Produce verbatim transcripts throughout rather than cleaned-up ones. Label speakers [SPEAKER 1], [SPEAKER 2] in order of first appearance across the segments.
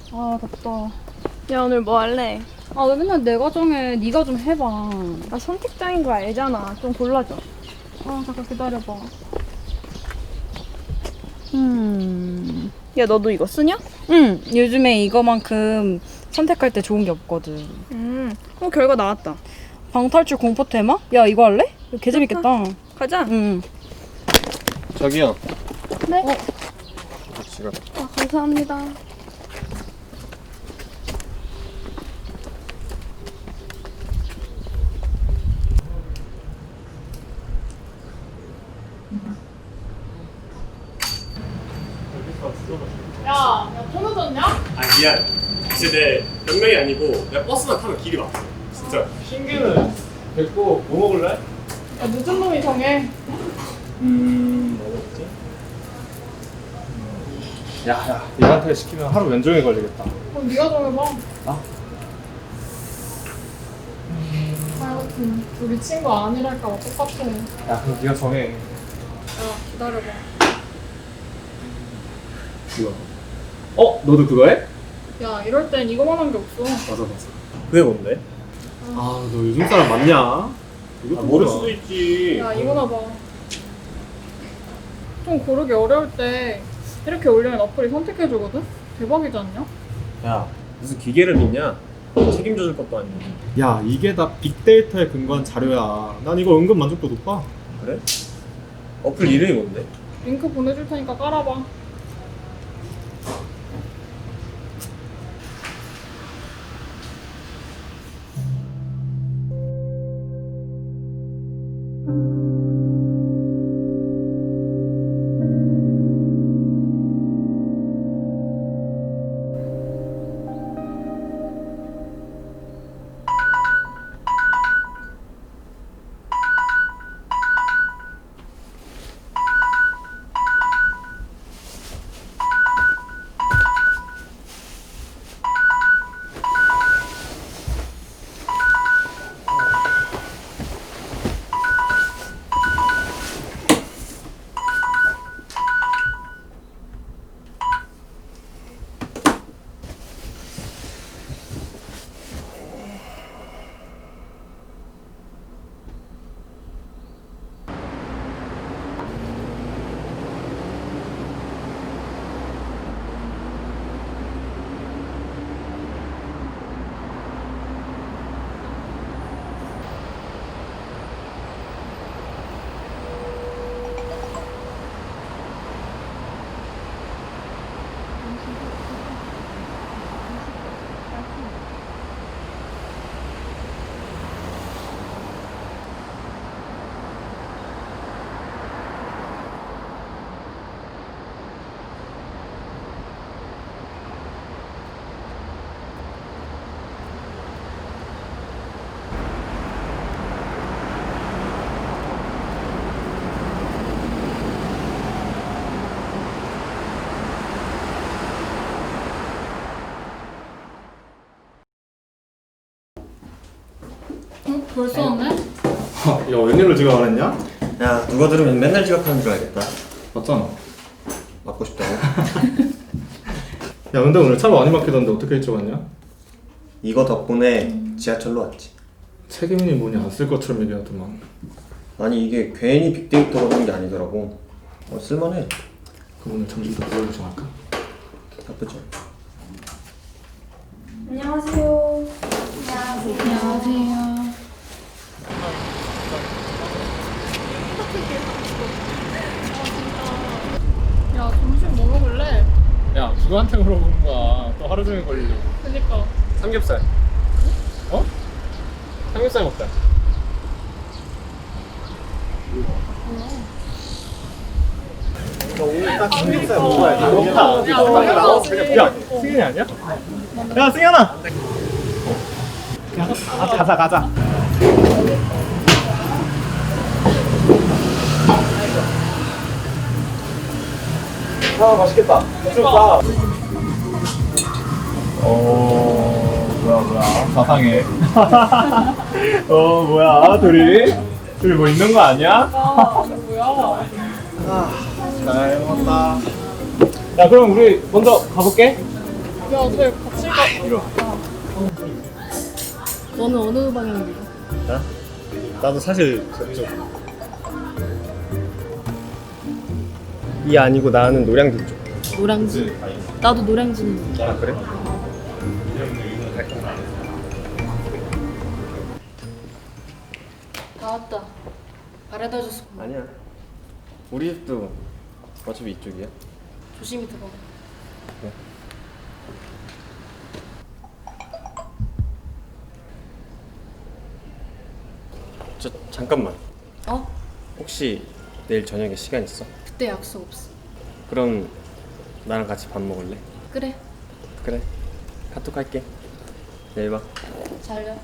[SPEAKER 1] 아 덥다.
[SPEAKER 2] 야, 오늘 뭐 할래?
[SPEAKER 1] 아 왜 맨날 내가 정해. 네가 좀 해봐.
[SPEAKER 2] 나 선택장인 거 알잖아. 좀 골라줘.
[SPEAKER 1] 아 잠깐 기다려봐.
[SPEAKER 2] 음. 야, 너도 이거 쓰냐?
[SPEAKER 1] 응. 요즘에 이거만큼 선택할 때 좋은 게 없거든.
[SPEAKER 2] 음. 어, 결과 나왔다.
[SPEAKER 1] 방탈출 공포 테마? 야 이거 할래? 이거 개 재밌겠다.
[SPEAKER 2] 가자.
[SPEAKER 1] 응.
[SPEAKER 3] 저기요.
[SPEAKER 2] 네.
[SPEAKER 1] 어.
[SPEAKER 3] 지금
[SPEAKER 2] 아, 감사합니다.
[SPEAKER 4] 야, 야, 끊어졌냐?
[SPEAKER 5] 아 미안. 진짜 내 명령이 아니고 내가 버스만 타면 길이 막혀. 진짜.
[SPEAKER 3] 신규는 됐고 뭐 먹을래?
[SPEAKER 4] 야, 늦은 놈이 정해.
[SPEAKER 3] 음... 뭐 먹지? 야야 얘한테 시키면 하루 왼종일 걸리겠다.
[SPEAKER 4] 그럼 네가 정해봐.
[SPEAKER 3] 나?
[SPEAKER 4] 하여튼 우리 친구 아니랄까 봐 똑같아.
[SPEAKER 3] 야 그럼 네가 정해.
[SPEAKER 4] 야, 기다려봐.
[SPEAKER 3] 이거 어? 너도 그거 해?
[SPEAKER 4] 야, 이럴 땐 이거만 한 게 없어.
[SPEAKER 3] 맞아 맞아.
[SPEAKER 5] 그게 뭔데?
[SPEAKER 3] 아 너 요즘 사람 맞냐?
[SPEAKER 5] 아, 모를 수도 있지.
[SPEAKER 4] 야, 이거나 봐. 좀 고르기 어려울 때 이렇게 올리면 어플이 선택해주거든? 대박이지 않냐?
[SPEAKER 5] 야 무슨 기계를 믿냐? 책임져줄 것도 아니고.
[SPEAKER 3] 야 이게 다 빅데이터에 근거한 자료야. 난 이거 은근 만족도 높아.
[SPEAKER 5] 그래? 어플 이름이 뭔데?
[SPEAKER 4] 링크 보내줄 테니까 깔아봐. 응? 벌써 왔네?
[SPEAKER 3] 야 웬일로 지각을 했냐?
[SPEAKER 5] 야 누가 들으면 맨날 지각하는 줄 알겠다.
[SPEAKER 3] 맞잖아.
[SPEAKER 5] 맞고 싶다고?
[SPEAKER 3] 야 근데 오늘 차 많이 막히던데 어떻게 일찍 왔냐?
[SPEAKER 5] 이거 덕분에 지하철로 왔지.
[SPEAKER 3] 책임이 뭐냐 안 쓸 것처럼 얘기하더만.
[SPEAKER 5] 아니 이게 괜히 빅데이터로 하는 게 아니더라고. 어, 쓸만해.
[SPEAKER 3] 그럼 오늘 점심도 그걸로 정할까?
[SPEAKER 5] 나쁘지.
[SPEAKER 2] 안녕하세요.
[SPEAKER 1] 안녕하세요.
[SPEAKER 4] 야, 점심 뭐 먹을래?
[SPEAKER 3] 야 누구한테 물어보는 거야. 또 하루 종일 걸리려고.
[SPEAKER 4] 그니까.
[SPEAKER 5] 삼겹살.
[SPEAKER 3] 어?
[SPEAKER 5] 삼겹살 먹자. 오늘 딱 삼겹살 먹어야지.
[SPEAKER 3] 야,
[SPEAKER 4] 먹어야지.
[SPEAKER 3] 야, 승현이 아니야? 야, 승현아! 아, 가자, 가자. 아, 맛있겠다. 좋다. 어, 뭐야, 뭐야. 사상해. 어, 뭐야, 둘이? 둘이 뭐 있는 거 아니야?
[SPEAKER 4] 아, 뭐야?
[SPEAKER 3] 잘 먹었다. 야, 그럼 우리 먼저 가볼게.
[SPEAKER 4] 야, 쟤 같이 가.
[SPEAKER 3] 이러.
[SPEAKER 2] 너는 어느 방향이야?
[SPEAKER 5] 나? 나도 사실 저쪽. 이 아니고 나는 노량진 쪽.
[SPEAKER 2] 노량진. 나도 노량진.
[SPEAKER 5] 아 그래?
[SPEAKER 2] 나왔다. 바래다 줬어.
[SPEAKER 5] 아니야. 우리 집도 어차피 이쪽이야.
[SPEAKER 2] 조심히 들어가.
[SPEAKER 5] 저 잠깐만.
[SPEAKER 2] 어?
[SPEAKER 5] 혹시 내일 저녁에 시간 있어?
[SPEAKER 2] 그때 약속 없어.
[SPEAKER 5] 그럼 나랑 같이 밥 먹을래?
[SPEAKER 2] 그래.
[SPEAKER 5] 그래. 카톡 할게. 내일 봐.
[SPEAKER 2] 잘려.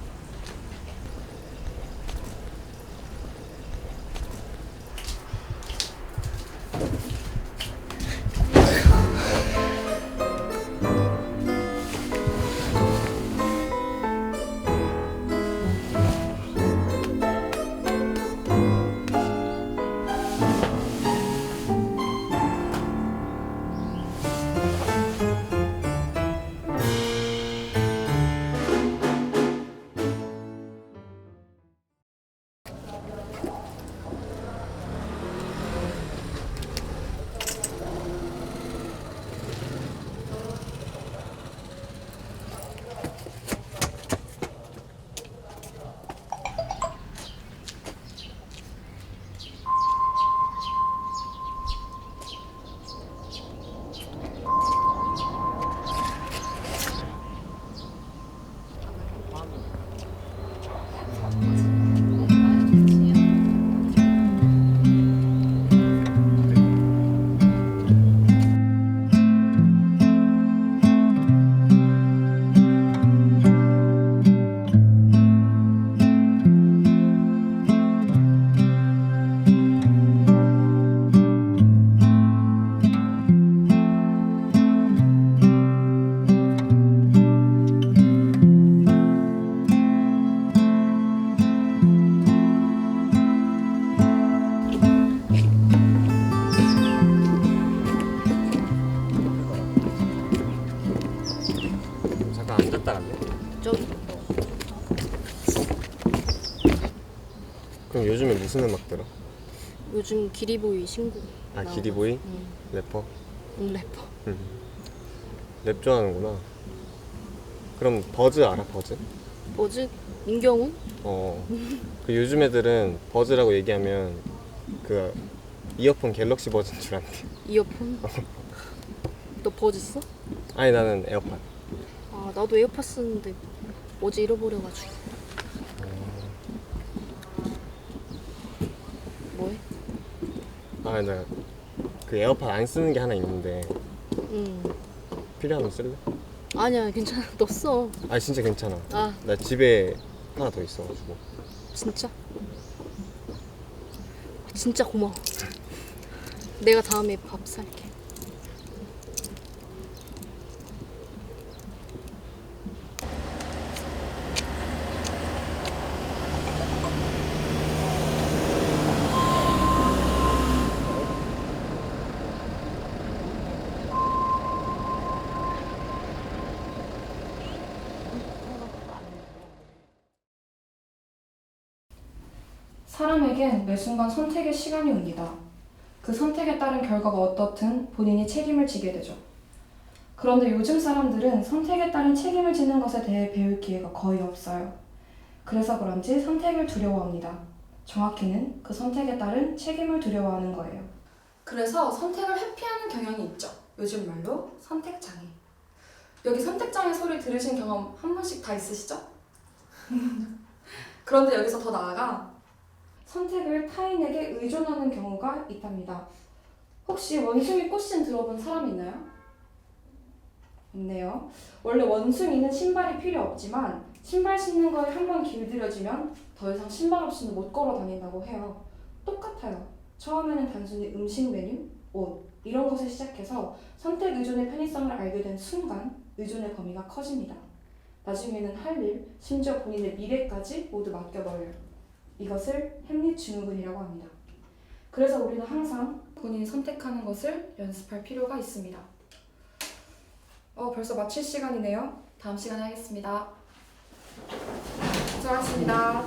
[SPEAKER 5] 잠깐 앉았다 갈래?
[SPEAKER 2] 저기.
[SPEAKER 5] 그럼 요즘에 무슨 음악 들어?
[SPEAKER 2] 요즘 기리보이 신곡.
[SPEAKER 5] 아
[SPEAKER 2] 나와가지고.
[SPEAKER 5] 기리보이?
[SPEAKER 2] 응.
[SPEAKER 5] 래퍼?
[SPEAKER 2] 응, 래퍼.
[SPEAKER 5] 랩 좋아하는구나. 그럼 버즈 알아? 버즈?
[SPEAKER 2] 뭐지? 민경훈?
[SPEAKER 5] 어. 그 요즘 애들은 버즈라고 얘기하면 그 이어폰 갤럭시 버즈인 줄 안대.
[SPEAKER 2] 이어폰? 너 버즈 써?
[SPEAKER 5] 아니 나는 에어팟.
[SPEAKER 2] 아, 나도 에어팟 쓰는데 어제 잃어버려가지고. 뭐해?
[SPEAKER 5] 아 나 그 에어팟 안 쓰는 게 하나 있는데
[SPEAKER 2] 응.
[SPEAKER 5] 필요하면 쓸래?
[SPEAKER 2] 아니야, 괜찮아. 너 써.
[SPEAKER 5] 아 진짜 괜찮아.
[SPEAKER 2] 아,
[SPEAKER 5] 나 집에 하나 더 있어가지고.
[SPEAKER 2] 진짜? 진짜 고마워. 내가 다음에 밥 살게.
[SPEAKER 1] 사람에겐 매 순간 선택의 시간이 옵니다. 그 선택에 따른 결과가 어떻든 본인이 책임을 지게 되죠. 그런데 요즘 사람들은 선택에 따른 책임을 지는 것에 대해 배울 기회가 거의 없어요. 그래서 그런지 선택을 두려워합니다. 정확히는 그 선택에 따른 책임을 두려워하는 거예요. 그래서 선택을 회피하는 경향이 있죠. 요즘 말로 선택장애. 여기 선택장애 소리 들으신 경험 한 번씩 다 있으시죠? 그런데 여기서 더 나아가 선택을 타인에게 의존하는 경우가 있답니다. 혹시 원숭이 꽃신 들어본 사람 있나요? 없네요. 원래 원숭이는 신발이 필요 없지만 신발 신는 거에 한 번 길들여지면 더 이상 신발 없이는 못 걸어 다닌다고 해요. 똑같아요. 처음에는 단순히 음식 메뉴, 옷 이런 것에 시작해서 선택 의존의 편의성을 알게 된 순간 의존의 범위가 커집니다. 나중에는 할 일, 심지어 본인의 미래까지 모두 맡겨버려요. 이것을 햄릿 증후군이라고 합니다. 그래서 우리는 항상 본인이 선택하는 것을 연습할 필요가 있습니다. 어, 벌써 마칠 시간이네요. 다음 시간에 하겠습니다. 수고하셨습니다.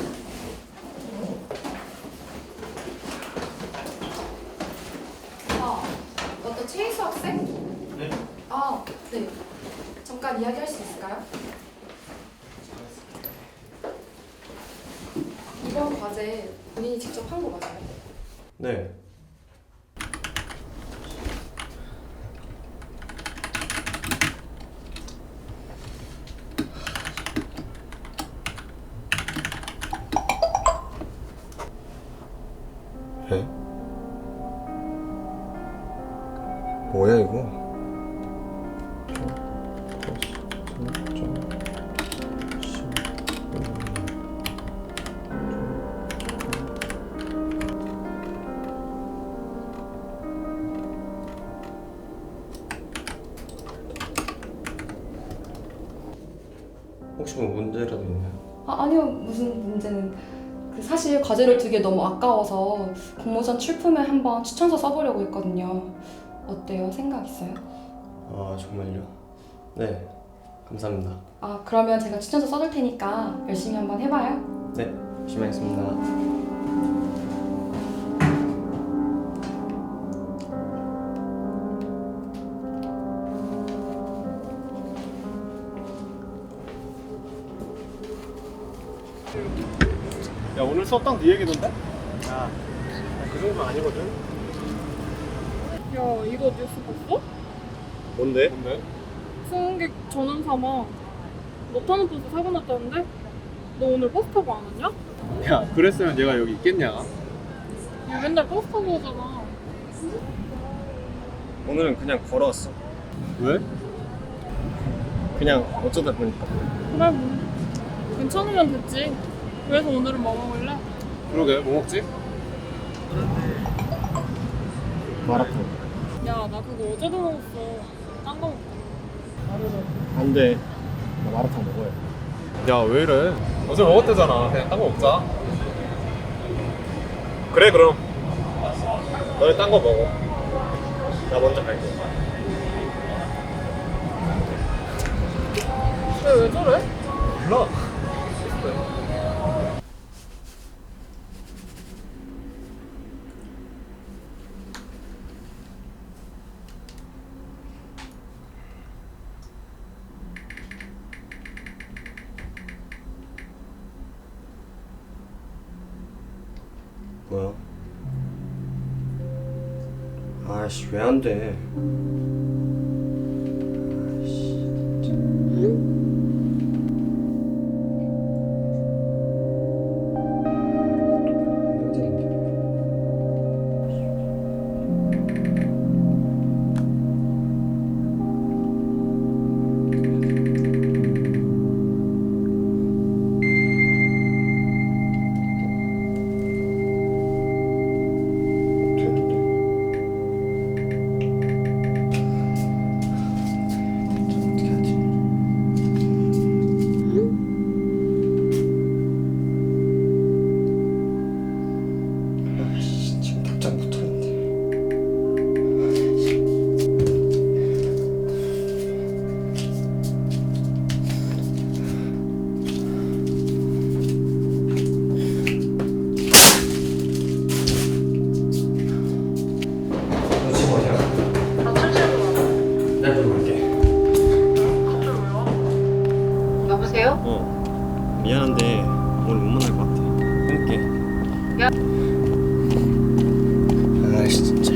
[SPEAKER 1] 아, 너또 최희수 학생?
[SPEAKER 5] 네.
[SPEAKER 1] 아, 네. 잠깐 이야기할 수 있을까요? 이번 과제 본인이 직접 한 거 맞아요?
[SPEAKER 5] 네. 에? 뭐야 이거? 혹시 뭐 문제라도 있나요?
[SPEAKER 1] 아, 아니요. 무슨 문제는. 그 사실 과제를 두기 너무 아까워서 공모전 출품에 한번 추천서 써보려고 했거든요. 어때요? 생각 있어요?
[SPEAKER 5] 아 정말요? 네 감사합니다.
[SPEAKER 1] 아, 그러면 제가 추천서 써둘 테니까 열심히 한번 해봐요.
[SPEAKER 5] 네 열심히 하겠습니다.
[SPEAKER 3] 야 오늘 수업 딱 네 얘기던데? 야 그 정도는 아니거든.
[SPEAKER 4] 야 이거 뉴스 봤어?
[SPEAKER 5] 뭔데?
[SPEAKER 3] 뭔데?
[SPEAKER 4] 승객 전원 사망. 너 타는 버스 사고 났다는데? 너 오늘 버스 타고 안 왔냐?
[SPEAKER 3] 야 그랬으면 얘가 여기 있겠냐?
[SPEAKER 4] 얘 맨날 버스 타고 오잖아.
[SPEAKER 5] 오늘은 그냥 걸어왔어.
[SPEAKER 3] 왜?
[SPEAKER 5] 그냥 어쩌다 보니까.
[SPEAKER 4] 그래 뭐 괜찮으면 됐지. 그래서 오늘은 뭐 먹을래?
[SPEAKER 3] 그러게 뭐 먹지?
[SPEAKER 5] 마라탕.
[SPEAKER 4] 야 나 그거 어제도 먹었어. 딴 거 먹자.
[SPEAKER 5] 안돼. 나 마라탕 먹어야 돼.
[SPEAKER 3] 야 왜 이래? 어제 먹었대잖아. 그냥 딴 거 먹자. 그래 그럼.
[SPEAKER 5] 너네 딴 거 먹어. 나 먼저 갈게.
[SPEAKER 4] 왜, 왜 저래?
[SPEAKER 3] 몰라.
[SPEAKER 5] 뭐야? 아씨 왜 안 돼? 아씨 진짜.
[SPEAKER 2] 여보세요?
[SPEAKER 5] 어 미안한데 오늘 못 만날 것 같아. 끊을게.
[SPEAKER 2] 야.
[SPEAKER 5] 아씨 진짜.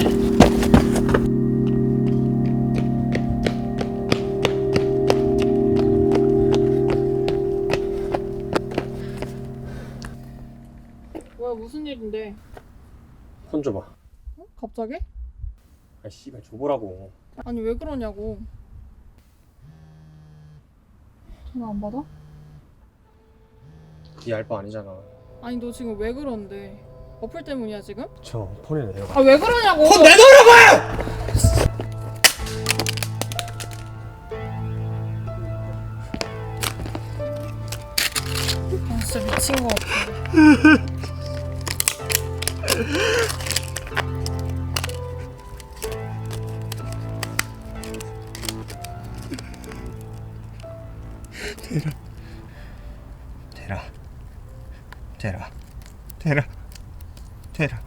[SPEAKER 4] 뭐야 무슨 일인데?
[SPEAKER 5] 손 줘봐.
[SPEAKER 4] 어? 갑자기?
[SPEAKER 5] 아 씨발 줘보라고.
[SPEAKER 4] 아니 왜 그러냐고. 전화 안 받아?
[SPEAKER 5] 네 알바 아니잖아.
[SPEAKER 4] 아니 너 지금 왜 그런데? 어플 때문이야 지금?
[SPEAKER 5] 저 폰에 내려가.
[SPEAKER 4] 아 왜 그러냐고!
[SPEAKER 5] 폰 내놓으라고요!
[SPEAKER 4] 아 진짜 미친 거 같아.
[SPEAKER 6] 테라 테라 테라 테라